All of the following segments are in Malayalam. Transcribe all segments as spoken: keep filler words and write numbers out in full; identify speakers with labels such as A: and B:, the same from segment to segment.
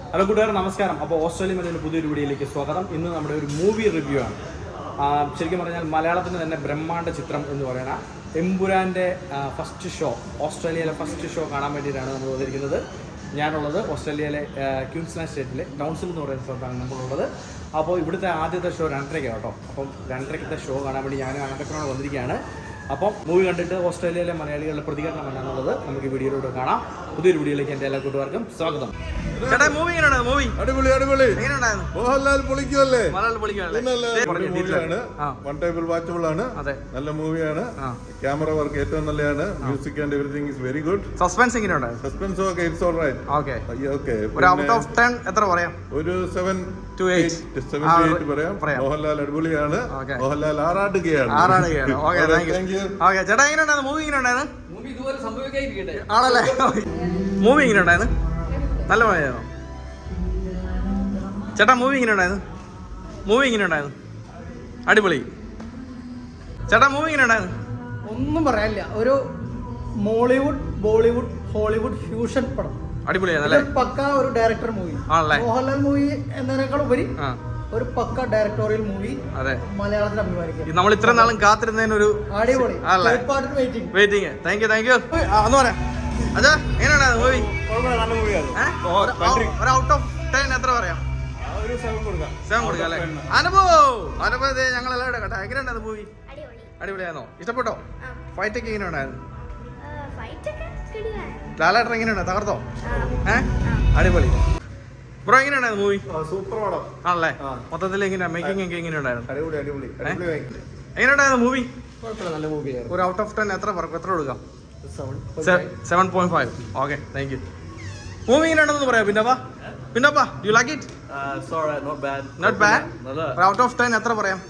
A: ഹലോ കൂട്ടുകാർ, നമസ്കാരം. അപ്പോൾ ഓസ്ട്രേലിയ മലയാളം പുതിയൊരു വീഡിയോയിലേക്ക് സ്വാഗതം. ഇന്ന് നമ്മുടെ ഒരു മൂവി റിവ്യൂ ആണ്. ശരിക്കും പറഞ്ഞാൽ മലയാളത്തിന് തന്നെ ബ്രഹ്മാണ്ഡ ചിത്രം എന്ന് പറയുന്ന എമ്പുരാൻ്റെ ഫസ്റ്റ് ഷോ, ഓസ്ട്രേലിയയിലെ ഫസ്റ്റ് ഷോ കാണാൻ വേണ്ടിയിട്ടാണ് നമ്മൾ വന്നിരിക്കുന്നത്. ഞാനുള്ളത് ഓസ്ട്രേലിയയിലെ ക്യൂൻസ്ലാൻഡ് സ്റ്റേറ്റിലെ ടൗൺസിൽ എന്ന് പറയുന്ന സ്ഥലത്താണ് നമ്മളുള്ളത്. അപ്പോൾ ഇവിടുത്തെ ആദ്യത്തെ ഷോ രണ്ടരയ്ക്കാണ് കേട്ടോ. അപ്പം രണ്ടരയ്ക്കത്തെ ഷോ കാണാൻ വേണ്ടി ഞാൻ രണ്ടരക്കാണ് വന്നിരിക്കുകയാണ്. അപ്പം മൂവി കണ്ടിട്ട് ഓസ്ട്രേലിയയിലെ മലയാളികളുടെ പ്രതികരണം എന്താണെന്നുള്ളത് നമുക്ക് ഈ വീഡിയോയിലൂടെ കാണാം. പുതിയൊരു വീഡിയോയിലേക്ക് എൻ്റെ എല്ലാ കൂട്ടുകാർക്കും സ്വാഗതം. ചേട്ടാ, മൂവി എങ്ങനെയാണ്? മൂവി
B: അടിപൊളി അടിപൊളി
A: എങ്ങനെയുണ്ടായിരുന്നു?
B: മോഹൻലാൽ പൊളിക്കുമല്ലേ?
A: മോഹൻലാൽ പൊളിക്കുമല്ലേ?
B: മൂവിയാണ്, വൺ ടേബിൾ വാച്ചബിൾ ആണ്, നല്ല മൂവിയാണ്. ക്യാമറ വർക്ക് ഏറ്റവും നല്ലതാണ്. Music and everything is very good.
A: Suspense എങ്ങനെയുണ്ട്?
B: സസ്പെൻസ് ഒക്കെ ഇറ്റ്സ് ഓൾറൈറ്റ്.
A: Okay
B: okay.
A: ഒരു ഔട്ട് ഓഫ് ടെൻ എത്ര പറയാം?
B: ഒരു seven
A: to eight
B: seven to eight പറയാം. മോഹൻലാൽ അടിപൊളിയാണ്. മോഹൻലാൽ ആറാടുകയാണ്.
A: ആറാടുകയാണ്. Okay, thank you. ഓക്കേ ചേട്ടാ, എങ്ങനെയുണ്ടായിരുന്നു മൂവി? എങ്ങനെയുണ്ടായിരുന്നു?
C: മൂവി ഇതുപോലെ സംഭവിക്കാതിരിക്കട്ടെ.
A: ആണല്ലേ? മൂവി എങ്ങനെയുണ്ടായിരുന്നു? നല്ല മൂവിയായിരുന്നു ചേട്ടാ. മൂവി എങ്ങനെയുണ്ടായിരുന്നു? മൂവി എങ്ങനെയുണ്ടായിരുന്നു? അടിപൊളി. ചേട്ടാ, മൂവി എങ്ങനെയുണ്ടായിരുന്നു?
C: ഒന്നും പറയാനില്ല. ഒരു മോളിവുഡ് ബോളിവുഡ് ഹോളിവുഡ് ഫ്യൂഷൻ പടം.
A: അടിപൊളിയാണല്ലേ?
C: പക്ക ഒരു ഡയറക്ടർ മൂവി. മോഹൻലാൽ മൂവി എന്നതിനേക്കാൾ ഉപരി ഒരു പക്ക ഡയറക്ടോറിയൽ മൂവി.
A: അതെ,
C: മലയാളത്തിൽ അഭിമാനിക്കും.
A: നമ്മൾ ഇത്ര നാളും കാത്തിരുന്നതിനൊരു
C: അടിപൊളി
A: waiting. Thank you thank you. ഒന്ന് പറയാം അതെ, എങ്ങനെയുണ്ടായിരുന്നു മൂവി? ഒരു ഔട്ട് ഓഫ് ടെൻ എത്ര പറയാം? സെവൻ കൊടുക്കാം അല്ലേ? അനുഭവം അനുഭവം ഞങ്ങൾ എല്ലാവരും കേട്ടോ. എങ്ങനെയുണ്ടായിരുന്നു മൂവി? അടിപൊളിയായിരുന്നോ? ഇഷ്ടപ്പെട്ടോ? ഫൈറ്റ് ഒക്കെ എങ്ങനെ ഉണ്ടായിരുന്നു? ലാലേട്ടൻ എങ്ങനെയുണ്ട്? തകർത്തോ? ഏഹ് അടിപൊളി. ബ്രോ, എങ്ങനെയുണ്ടായിരുന്നു മൂവി?
B: സൂപ്പർ പടം
A: ആണല്ലേ? മൊത്തത്തിൽ എങ്ങനെയാ മേക്കിംഗ് ഒക്കെ എങ്ങനെയുണ്ടായിരുന്നു?
B: അടിപൊളി അടിപൊളി.
A: എങ്ങനെയുണ്ടായിരുന്നു മൂവി?
C: നല്ല മൂവിയായിരുന്നു.
A: ഒരു ഔട്ട് ഓഫ് ടെൻ എത്ര എത്ര കൊടുക്കാം? Seven point five. Okay, thank you. Movie എങ്ങനെയാണെന്ന് പറയാം. പിന്നപ്പാ പിന്നപ്പാ you like it?
D: Not bad.
A: Not bad. ഒരു ഔട്ട് ഓഫ് ടെൻ എത്ര പറയാം?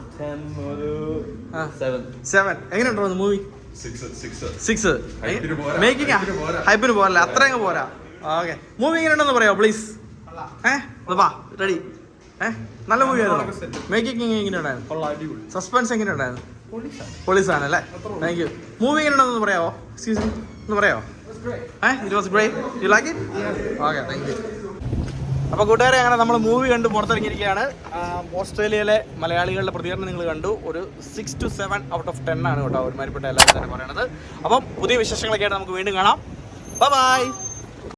A: സെവൻ. എങ്ങനെയുണ്ടോ മൂവി? സിക്സ്. മേക്കിംഗ് ഹൈപ്പിന് പോരല്ലേ? അത്രയും പോരാ. ഓക്കെ, മൂവി എങ്ങനെയുണ്ടെന്ന് പറയാമോ പ്ലീസ്? ഏഹ് വാ, റെഡി. ഏഹ് നല്ല മൂവി ആയിരുന്നു. മേക്കിംഗ് എങ്ങനെയുണ്ടായിരുന്നു? സസ്പെൻസ് എങ്ങനെയുണ്ടായിരുന്നു? പോലീസാണ് അല്ലേ? Thank you. മൂവി എങ്ങനെയുണ്ടെന്ന് പറയാമോ? എക്സ്ക്യൂസ് മീ, ഒന്ന് പറയാമോ? Eh it was great. You like it? Okay, thank you. അപ്പോൾ കൂട്ടുകാരെ, അങ്ങനെ നമ്മൾ മൂവി കണ്ട് പുറത്തിറങ്ങിയിരിക്കുകയാണ്. ഓസ്ട്രേലിയയിലെ മലയാളികളുടെ പ്രതികരണം നിങ്ങൾ കണ്ടു. ഒരു six to seven out of ten ആണ് കേട്ടോ ഒരുമാതിരിപ്പെട്ട എല്ലാവരും തന്നെ പറയണത്. അപ്പം പുതിയ വിശേഷങ്ങളൊക്കെ ആയിട്ട് നമുക്ക് വീണ്ടും കാണാം. Bye by.